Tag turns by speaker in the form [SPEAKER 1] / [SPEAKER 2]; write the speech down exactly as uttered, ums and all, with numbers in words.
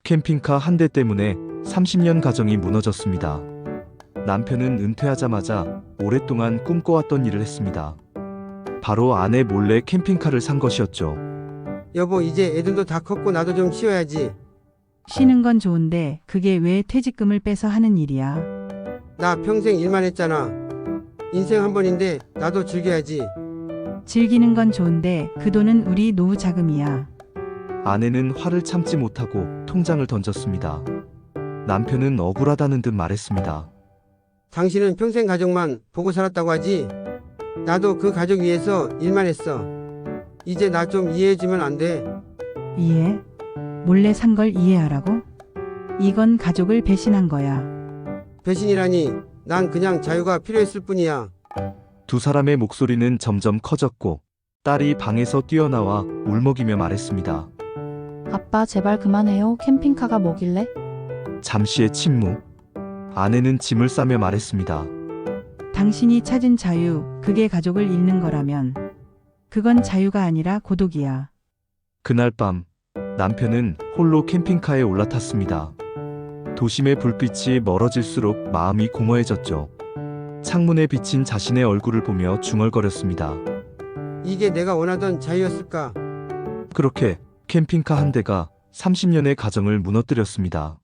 [SPEAKER 1] 캠핑카 한 대 때문에 삼십 년 가정이 무너졌습니다. 남편은 은퇴하자마자 오랫동안 꿈꿔왔던 일을 했습니다. 바로 아내 몰래 캠핑카를 산 것이었죠.
[SPEAKER 2] 여보, 이제 애들도 다 컸고 나도 좀 쉬어야지.
[SPEAKER 3] 쉬는 건 좋은데 그게 왜 퇴직금을 빼서 하는 일이야?
[SPEAKER 2] 나 평생 일만 했잖아. 인생 한 번인데 나도 즐겨야지.
[SPEAKER 3] 즐기는 건 좋은데 그 돈은 우리 노후 자금이야.
[SPEAKER 1] 아내는 화를 참지 못하고 통장을 던졌습니다. 남편은 억울하다는 듯 말했습니다.
[SPEAKER 2] 당신은 평생 가족만 보고 살았다고 하지? 나도 그 가족 위해서 일만 했어. 이제 나 좀 이해해주면 안 돼?
[SPEAKER 3] 이해? 몰래 산 걸 이해하라고? 이건 가족을 배신한 거야.
[SPEAKER 2] 배신이라니, 난 그냥 자유가 필요했을 뿐이야.
[SPEAKER 1] 두 사람의 목소리는 점점 커졌고 딸이 방에서 뛰어나와 울먹이며 말했습니다.
[SPEAKER 4] 아빠 제발 그만해요. 캠핑카가 뭐길래?
[SPEAKER 1] 잠시의 침묵. 아내는 짐을 싸며 말했습니다.
[SPEAKER 3] 당신이 찾은 자유, 그게 가족을 잃는 거라면 그건 자유가 아니라 고독이야.
[SPEAKER 1] 그날 밤 남편은 홀로 캠핑카에 올라탔습니다. 도심의 불빛이 멀어질수록 마음이 공허해졌죠. 창문에 비친 자신의 얼굴을 보며 중얼거렸습니다.
[SPEAKER 2] 이게 내가 원하던 자유였을까?
[SPEAKER 1] 그렇게 캠핑카 한 대가 삼십 년의 가정을 무너뜨렸습니다.